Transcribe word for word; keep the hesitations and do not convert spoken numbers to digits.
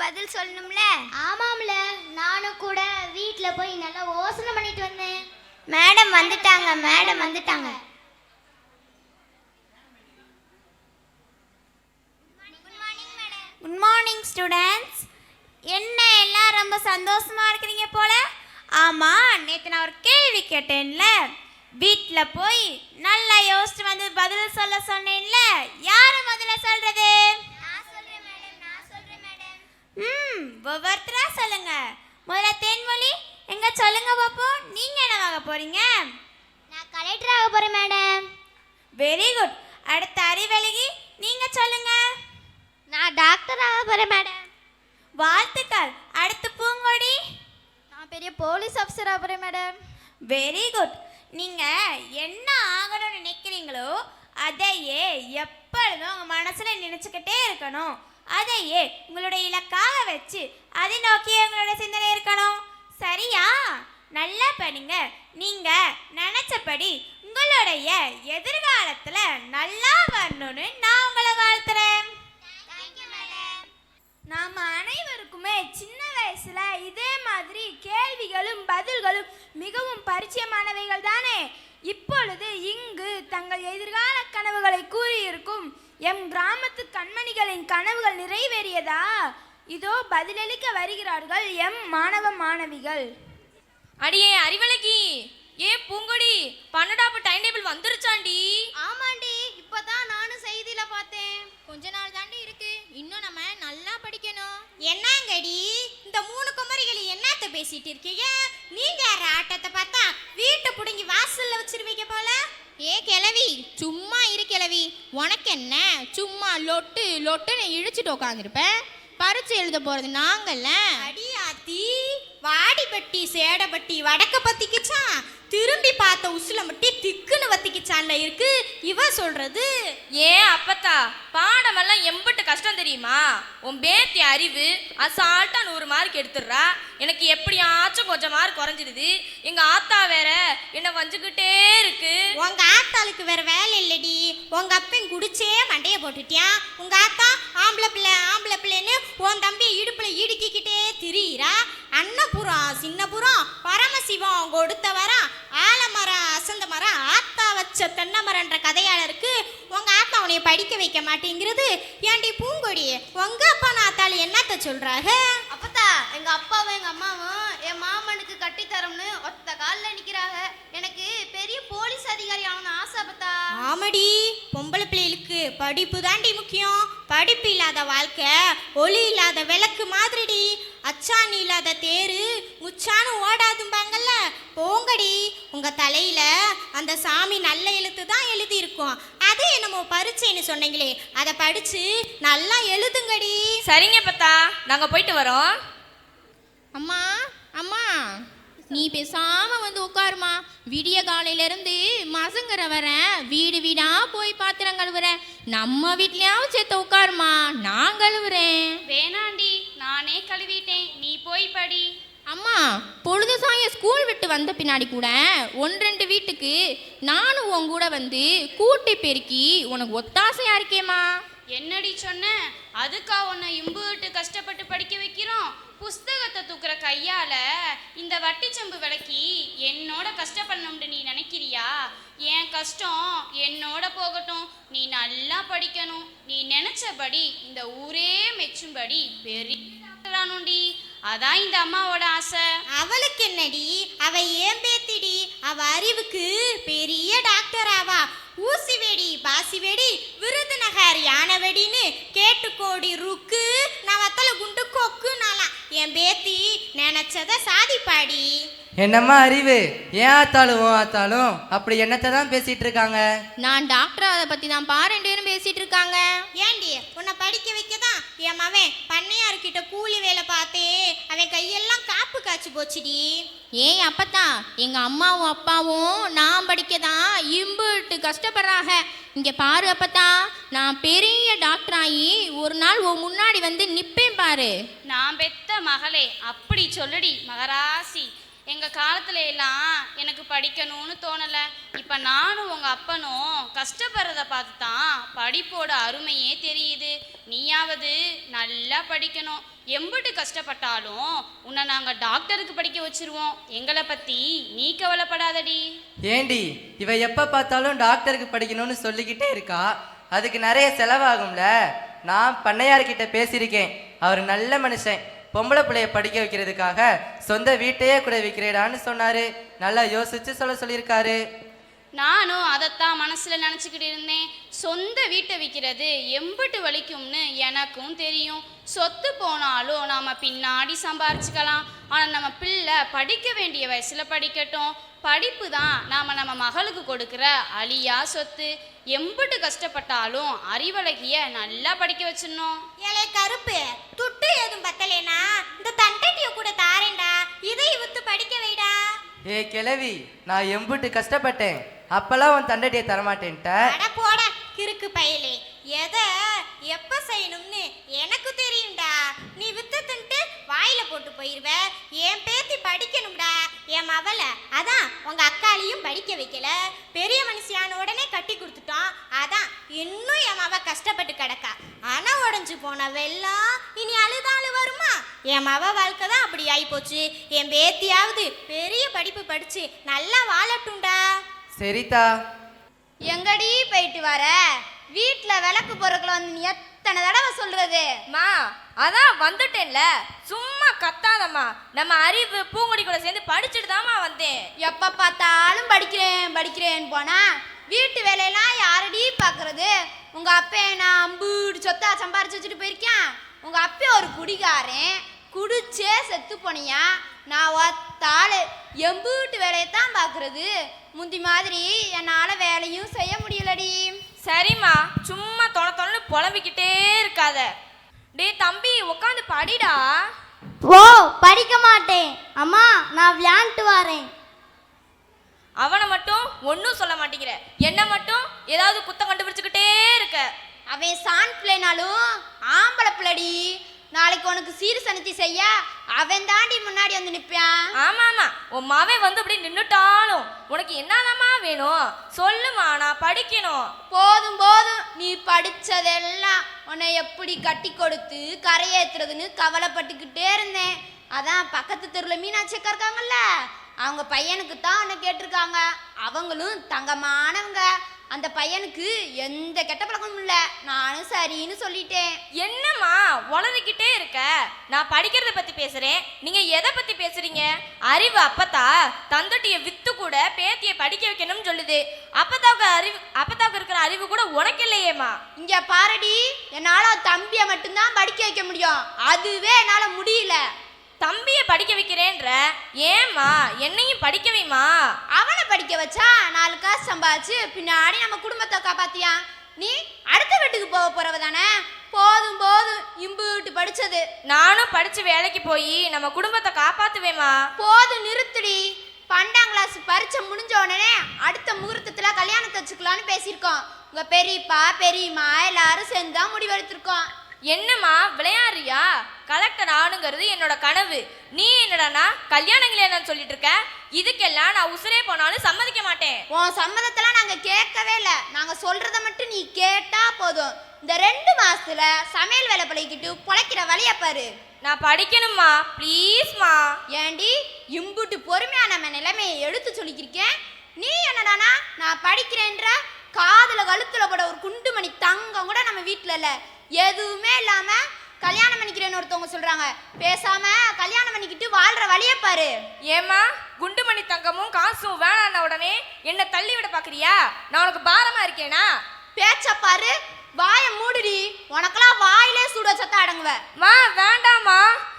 பதில் சொல்லணும்ல. ஆமாம்ல, நானும் கூட வீட்டில் போய் நல்லா யோசனை பண்ணிட்டு வந்தேன். மேடம் வந்துட்டாங்க, மேடம் வந்துட்டாங்க. Good morning students. என்ன எல்லாம் ரொம்ப சந்தோஷமா இருக்கிறீங்க போல. ஆமா, நேற்று நான் ஒரு கேள்வி கேட்டேன்ல, வீட்டில் போய் நல்லா யோசிச்சு வந்து பதில் சொல்ல சொன்னேன்ல, யாரு முதல்ல சொல்றது? ம் ஒவ்வொருத்தரா சொல்லுங்க. முதல்ல தேன்மொழி, எங்க சொல்லுங்க பாப்போம், நீங்க என்னவாக போறீங்க? நான் கலெக்டர் ஆக போறேன் மேடம். Very good. அடுத்த அறிவழகி, நீங்க சொல்லுங்க. நான் டாக்டர் ஆக போறேன் மேடம். வாழ்த்துக்கள். அடுத்து பூங்கொடி, நான் பெரிய போலீஸ் ஆஃபீஸர் ஆக போறேன் மேடம். Very good. நீங்க என்ன ஆகணும்னு நினைக்கிறீங்களோ அதையே எப்பொழுதும் உங்க மனசுல நினைச்சுக்கிட்டே இருக்கணும். அதையே உங்களுடைய இலக்காக வச்சு அதை நோக்கி உங்களோட சிந்தனை இருக்கணும். சரியா? நல்லா படிங்க. நீங்க நினைச்சபடி உங்களுடைய எதிர்காலத்துல நல்லா வரணும்னு நான் உங்களை வாழ்த்துறேன். நாம அனைவருக்குமே சின்ன வயசுல இதே மாதிரி கேள்விகளும் பதில்களும் மிகவும் பரிச்சயமானவைகள் தானே. இப்பொழுது இங்கு தங்கள் எதிர்கால கனவுகளை கூறியிருக்கும் எம் கிராமத்து கண்மணிகளின் கனவுகள் நிறைவேறியதா? இதோ பதிலளிக்க வருகிறார்கள் எம் மாணவ மாணவிகள். அடியே அறிவழகி, ஏ பூங்கொடி, பன்னெண்டாப்பு டைம் டேபிள் வந்துருச்சாண்டி? ஆமாண்டி, இப்பதான் நானும் செய்தியில பார்த்தேன். கொஞ்ச நாள் தாண்டி இருக்கு, இன்னும் நம்ம நல்லா படிக்கணும். என்னங்கடி இந்த மூணு குமரிகளை என்னத்த பேசிட்டு இருக்கீங்க? நீங்க யார ஆட்டத்தை பார்த்தா வீட்டை புடுங்கி வாசல்ல வச்சிருவீங்க போல. ஏ கிழவி, சும்மா இரு கிழவி. உனக்கு என்ன, சும்மா லொட்டு லொட்டுன்னு இழிச்சிட்டு உட்காந்துருப்பேன். பரிச்சு எழுத போறது நாங்கள்ல. அடியாத்தி, வாடிப்பட்டி சேடப்பட்டி வடக்க பத்திக்குச்சான், திரும்பி பார்த்த உசுல மட்டும் திக்குன்னு வத்திக்குச்சான்ல இருக்கு இவ சொல்றது. ஏன் அப்பத்தா, பாடமெல்லாம் எம்பிட்டு கஷ்டம் தெரியுமா? உன் பேத்தி அறிவு அசால்ட்டா நூறு மார்க் எடுத்துடுறா. எனக்கு எப்படியாச்சும் கொஞ்சம் மார்க் குறைஞ்சிடுது. எங்க ஆத்தா வேற என்ன வஞ்சுக்கிட்டே இருக்கு. உங்க ஆத்தாளுக்கு வேற வேலை இல்லடி. உங்க அப்பன் குடிச்சே மண்டைய போட்டுட்டியா. உங்க ஆத்தா ஆம்பளை பிள்ளை ஆம்பளை பிள்ளைன்னு உன் தம்பியை இடுப்புல இடுக்கிக்கிட்டே திரியிறா. அன்னபுரம் சின்னபுரம் பரமசிவம் கொடுத்த வரம் ஆலமரம் அசந்த மரம் ஆத்தா வச்ச தென்னை மரன்ற கதையாளருக்கு உங்க ஆத்தா உனைய படிக்க வைக்க மாட்டேங்கிறது. ஏன்டி பூங்கொடி, உங்க அப்பா ஆத்தாளு என்னத்த சொல்றாங்க? அப்பத்தா, எங்க அப்பாவும் எங்க அம்மாவும் என் மாமனுக்கு கட்டித்தரம்னு ஒத்த காலில் நிக்கிறாங்க. எனக்கு பெரிய போலீஸ் அதிகாரி ஆகணும்னு ஆசை. அப்பத்தா, ஆமாடி, பொம்பளை பிள்ளைகளுக்கு படிப்பு தாண்டி முக்கியம். படிப்பு இல்லாத வாழ்க்கை ஒளி இல்லாத விளக்கு மாதிரிடி. அச்சாணி இல்லாத தேரு முச்சானு ஓடாதும்பாங்கல்ல. போங்கடி, உங்க தலையில அந்த சாமி நல்ல எழுத்து தான் எழுதி இருக்கும். அதே என்னமோ பரீட்சைன்னு சொன்னீங்களே, அதை படிச்சு நல்லா எழுதுங்கடி. சரிங்க பத்தா, நாங்க போயிட்டு வரோம். அம்மா அம்மா, நீ பேசாம வந்து உட்காருமா. விடிய காலையில இருந்து மசங்கர வரேன், வீடு வீடா போய் பாத்திரம் கழுவுறேன். நம்ம வீட்லயாவது சேர்த்து உட்காருமா, நான் கழுவுறேன். வேணாண்டி, நானே கழுவிட்டேன், நீ போய் படி. அம்மா, பொழுது சாயம் ஸ்கூல் விட்டு வந்த பின்னாடி கூட ஒன்று ரெண்டு வீட்டுக்கு நானும் உன் கூட வந்து கூட்டி பெருக்கி உனக்கு ஒத்தாசையா இருக்கேம்மா. என்னடி சொன்ன? அதுக்கா உன்னை இம்புட்டு கஷ்டப்பட்டு படிக்க வைக்கிறோம்? புஸ்தகத்தை தூக்குற கையால இந்த வட்டிச்சம்பு விளக்கி என்னோட கஷ்டப்படணும்னு நீ நினைக்கிறியா? என் கஷ்டம் என்னோட போகட்டும், நீ நல்லா படிக்கணும். நீ நினைச்சபடி இந்த ஊரே மெச்சும்படி பெரிய டாக்டரானுண்டி. அதான் இந்த அம்மாவோட ஆசை. அவளுக்கு என்னடி, அவ ஏன் பேத்திடி. அவ அறிவுக்கு பெரிய டாக்டர் ஆவா. ஊசி வெடி பாசி வெடி விருதுநகர் யானை வெடின்னு கேட்டுக்கோடி ருக்கு நான் வத்தல குண்டு கொக்கு நாளா. என் பேத்தி நினைச்சத சாதிப்பாடி. என்னம்மா அறிவு, ஏன் ஆத்தாலும் ஓ ஆத்தாலும் அப்படி என்னத்தை தான் பேசிட்டு இருக்காங்க? நான் டாக்டர் அதை பத்தி தான் பா ரெண்டு பேரும் பேசிட்டு இருக்காங்க. ஏண்டி, உன்னை படிக்க வைக்கதான் என் மவன் பண்ணையார்கிட்ட கூலி வேலை பார்த்தே அவன் கையெல்லாம் காப்பு காய்ச்சி போச்சுடி. ஏய் அப்பத்தா, எங்க அம்மாவும் அப்பாவும் நான் படிக்கதான் இம்புட்டு கஷ்டப்படுறாங்க. இங்க பாரு அப்பத்தா, நான் பெரிய டாக்டர் ஆகி ஒரு நாள் உன் முன்னாடி வந்து நிப்பேன் பாரு. நான் பெத்த மகளே, அப்படி சொல்லுடி மகராசி. எங்க காலத்துல எல்லாம் எனக்கு படிக்கணும்னு தோணல. இப்ப நானும் உங்க அப்பனும் கஷ்டப்படுறத பார்த்து தான் படிப்போட அருமையே தெரியுது. நீயாவது நல்லா படிக்கணும். எம்பிட்டு கஷ்டப்பட்டாலும் உன்னை நாங்க டாக்டருக்கு படிக்க வச்சிருவோம். எங்களை பத்தி நீ கவலைப்படாதடி. ஏண்டி இவ எப்ப பார்த்தாலும் டாக்டருக்கு படிக்கணும்னு சொல்லிக்கிட்டே இருக்கா, அதுக்கு நிறைய செலவாகும்ல. நான் பண்ணையார்கிட்ட பேசியிருக்கேன், அவர் நல்ல மனுஷன். பொம்பளை பிள்ளைய படிக்க வைக்கிறதுக்காக சொந்த வீட்டையே கூட விற்கிறேடான்னு சொன்னாரு. நல்லா யோசிச்சு சொல்ல சொல்லியிருக்காரு. நானும் அதைத்தான் மனசுல நினச்சிக்கிட்டு இருந்தேன். சொந்த வீட்டை விற்கிறது எம்பிட்டு வலிக்கும்னு எனக்கும் தெரியும். சொத்து போனாலும் நாம பின்னாடி சம்பாரிச்சுக்கலாம். ஆனால் நம்ம பிள்ளை படிக்க வேண்டிய வயசுல படிக்கட்டும். படிப்பு தான் நாம் நம்ம மகளுக்கு கொடுக்குற அழியா சொத்து. எம்பிட்டு கஷ்டப்பட்டாலும் அறிவழகிய நல்லா படிக்க வச்சிடணும். ஏலே கருப்பு, துட்டு எதுவும் பத்தலேனா இந்த தண்டட்டிய கூட தாரேண்டா, இதை வித்து படிக்க வைடா. ஏ கிழவி, நான் எம்புட்டு கஷ்டப்பட்டேன், அப்பெல்லாம் உன் தண்டட்டியை தரமாட்டேன்ட்ட. அட போட கிறுக்கு பயலே, எதை எப்ப செய்யணும்னு எனக்கு தெரியும்டா. நீ வித்து தின்ட்டு வாயில போட்டு போயிருவ. என் பேத்தி படிக்கணும்டா, என் மவளை. அதான் உங்க அக்காலையும் படிக்க வைக்கல, பெரிய மனுஷியான உடனே கட்டி கொடுத்துட்டோம். அதான் இன்னும் என் மவ கஷ்டப்பட்டு கிடக்கா. ஆனா உடஞ்சு போன வெள்ளம் இனி அழுதாலும் வருமா? என் மவ வாழ்க்கை தான் அப்படி ஆயிப்போச்சு. என் பேத்தியாவது பெரிய படிப்பு படிச்சு நல்லா வாழட்டும்டா. சரிதா. எங்கடி போயிட்டு வர? வீட்டுல விளக்கு பொருட்கள் வந்து நீ எத்தனை தடவை சொல்றது? மா அதான் வந்துட்டேன்ல, சும்மா கத்தாதம்மா. நம்ம அறிவு பூங்குடி கூட சேர்ந்து படிச்சுட்டு தாம்மா வந்தேன். எப்ப பார்த்தாலும் படிக்கிறேன் படிக்கிறேன்னு போனா வீட்டு வேலையெல்லாம் யாரடி பாக்குறது? உங்க அப்பே நான் அம்பூடு சொத்தா சம்பாரிச்சு வச்சுட்டு போயிருக்கேன். உங்க அப்பே ஒரு குடிகாரன், குடிச்சே செத்து போனியா. நான் ஒத்தாள் எம்பூட்டு வேலையத்தான் பாக்குறது. முந்தி மாதிரி என்னால வேலையும் செய்ய முடியலடி. சரிம்மா, சும்மா தொண தொணன்னு புலம்பிக்கிட்டே இருக்காத. டே தம்பி, உட்காந்து படிடா. ஓ, படிக்க மாட்டேன் அம்மா, நான் விளையாண்டு வரேன். அவனை மட்டும் ஒன்றும் சொல்ல மாட்டேங்கிற, என்ன மட்டும் ஏதாவது குத்தம் கண்டுபிடிச்சுக்கிட்டே இருக்க. அவன் சான் பிள்ளைனாலும் ஆம்பளை பிள்ளடி. நாளைக்கு உனக்கு சீர் சனித்தி செய்ய அவன் தாண்டி முன்னாடி வந்து நிற்பான். ஆமா ஆமா, உன் மாவன் வந்து அப்படி நின்றுட்டாலும் உனக்கு என்னதாம்மா வேணும் சொல்லுமா, நான் படிக்கணும். போதும் போதும், நீ படிச்சதெல்லாம் உன்னை எப்படி கட்டி கொடுத்து கரையேத்துறதுன்னு கவலைப்பட்டுக்கிட்டே இருந்தேன். அதான் பக்கத்து தெருவில் மீனாட்சி அக்கா இருக்காங்கல்ல, அவங்க பையனுக்கு தான் உன்னை கேட்டிருக்காங்க. அவங்களும் தங்கமானவங்க. அந்த பையனுக்கு எந்த கெட்ட பழக்கமும் இல்லை. நானும் சரின்னு சொல்லிட்டேன். என்னம்மா உளறிக்கிட்டே இருக்க? நான் படிக்கிறத பத்தி பேசுறேன், நீங்க எதை பத்தி பேசுறீங்க? அறிவு அப்பத்தா தந்தட்டிய வித்து கூட பேத்தியை படிக்க வைக்கணும்னு சொல்லுது. அப்பத்தாவுக்கு அறிவு அப்பத்தாவுக்கு இருக்கிற அறிவு கூட உனக்கு இல்லையேம்மா. இங்க பாரடி, என்னால தம்பியை மட்டும்தான் படிக்க வைக்க முடியும். அதுவே என்னால முடியல. தம்பியை படிக்க வைக்கிறேன்ற, ஏம்மா என்னையும் படிக்க வைமா. அவனை படிக்க வச்சா நாலு காசு சம்பாதிச்சு பின்னாடி நம்ம குடும்பத்தை காப்பாத்தியா. நீ அடுத்த வீட்டுக்கு போக போறவ தானே. போதும் போதும், இம்புட்டு படிச்சது. நானும் படிச்சு வேலைக்கு போய் நம்ம குடும்பத்தை காப்பாத்துவேமா. போதும் நிறுத்துடி. பன்னெண்டாம் கிளாஸ் பரீட்சை முடிஞ்ச உடனே அடுத்த முகூர்த்தத்துல கல்யாணத்தை வச்சுக்கலான்னு பேசியிருக்கோம். உங்க பெரியப்பா பெரியம்மா எல்லாரும் சேர்ந்து தான் முடிவெடுத்திருக்கோம். என்னம்மா விளையாடுறியா? கலெக்டர் ஆணுங்கிறது என்னோட கனவு. நீ என்னடானா கல்யாணங்களே நான் சொல்லிட்டு இருக்க. இதுக்கெல்லாம் நான் உசுரே போனாலும் சம்மதிக்க மாட்டேன். உன் சம்மதத்தெல்லாம் நாங்க கேட்கவே இல்லை. நாங்க சொல்றத மட்டும் நீ கேட்டா போதும். இந்த ரெண்டு மாசத்துல சமையல் வேலை பழகிக்கிட்டு பொழைக்கிற வழிய பாரு. நான் படிக்கணும்மா, ப்ளீஸ்மா. ஏண்டி இம்புட்டு பொறுமையா நம்ம நிலைமையை எடுத்து சொல்லிக்கிருக்கேன். நீ என்னடானா நான் படிக்கிறேன்ற காதுல கழுத்துல போட ஒரு குண்டுமணி தங்கம் கூட நம்ம வீட்டுல இல்ல. எதுவுமே இல்லாம கல்யாணம் பண்ணிக்கிறேன்னு ஒருத்தவங்க சொல்றாங்க. பேசாம கல்யாணம் பண்ணிக்கிட்டு வாழ்ற வழிய பாரு. ஏமா குண்டுமணி தங்கமும் காசும் வேணான்ன உடனே என்ன தள்ளி விட பாக்குறியா? நான் உனக்கு பாரமா இருக்கேனா? பேச்ச பாரு, வாய மூடுடி. உனக்கெல்லாம் வாயிலே சூட சத்த அடங்குவ. மா வேண்டாமா.